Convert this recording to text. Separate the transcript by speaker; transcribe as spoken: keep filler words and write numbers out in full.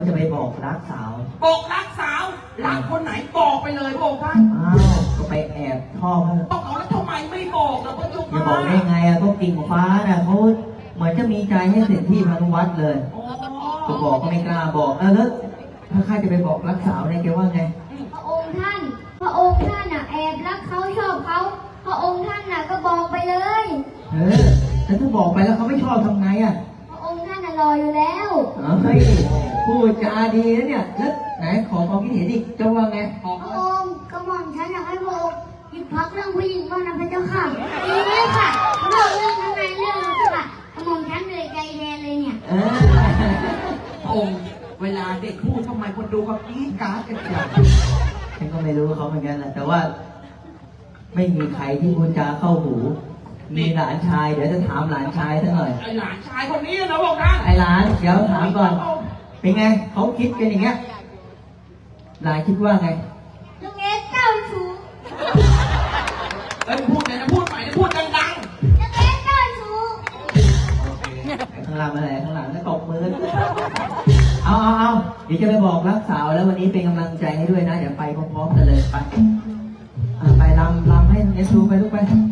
Speaker 1: จะไปบอกรักสาว
Speaker 2: บอกรักสาวรักคนไหนบอกไปเลยบอกท่าน
Speaker 1: อ้าวก็ไปแอบชอบ
Speaker 2: ต้องเอาแล้วทำไมไม่บอกแล้วก็จุก
Speaker 1: จะบอกได้ไงอ่ะก็กิ่งฟ้าน่ะเขาเหมือนจะมีใจให้เสร็จที่พานุวัฒน์เลยก็บอกก็ไม่กล้าบอกเออแล้วถ้าข้าจะไปบอกรักสาวเนี่ยแกว่าไง
Speaker 3: พระองค์ท่านพระองค์ท่านน่ะแอบรักเขาชอบเขาพระองค์ท่านน่ะก็บอกไปเลย
Speaker 1: เออแต่ถ้าบอกไปแล้วเขาไม่ชอบทำไงอ่ะ
Speaker 3: พระองค์ท่านน่ะรออยู่แล้ว
Speaker 1: เฮ้ยพูดจาดีนะเนี่ยแล้วไหนขอความคิดเห็นอีกจะว่าไง
Speaker 3: พระองค์กระหม่อมฉันอยากให้พระองค์หยุดพักเรื่องผู้หญิงบ้างนะพระเจ้าค่ะดีไหมค่ะเรื่องเรื่องข้างในเรื่องนั้นค่ะกระหม่อมฉันเหนื่อยใจแทนเลยเนี่ย
Speaker 2: พระองค์เวลาเด็กพูดทำไมคนดูเขากรี๊ดกราดกันจัง
Speaker 1: ฉันก็ไม่รู้เขาเหมือนกันแหละแต่ว่าไม่มีใครที่พูดจาเข้าหูมีหลานชายเดี๋ยวจะถามหลานชายซะหน่อย
Speaker 2: ไอหลานชายคนนี้นะบอกนะ
Speaker 1: ไอหลานเดี๋ยวถามก่อนเป็นไงเขาคิดกันอย่างเงี้ยหลานคิดว่าไง
Speaker 3: ลุงเอสเจ้าชู้
Speaker 2: เอ้ยพูดไงนะพูดใหม่นะพูดดังๆ
Speaker 3: ลุงเอสเจ้าชู้
Speaker 1: ข้างหลังอะไรข้างหลังก็ตบมือเอาเอาเอาเดี๋ยวจะไปบอกรักสาวแล้ววันนี้เป็นกำลังใจให้ด้วยนะเดี๋ยวไปพร้อมๆกันเลยไปไปลำลำให้เอสดูไปลูกไป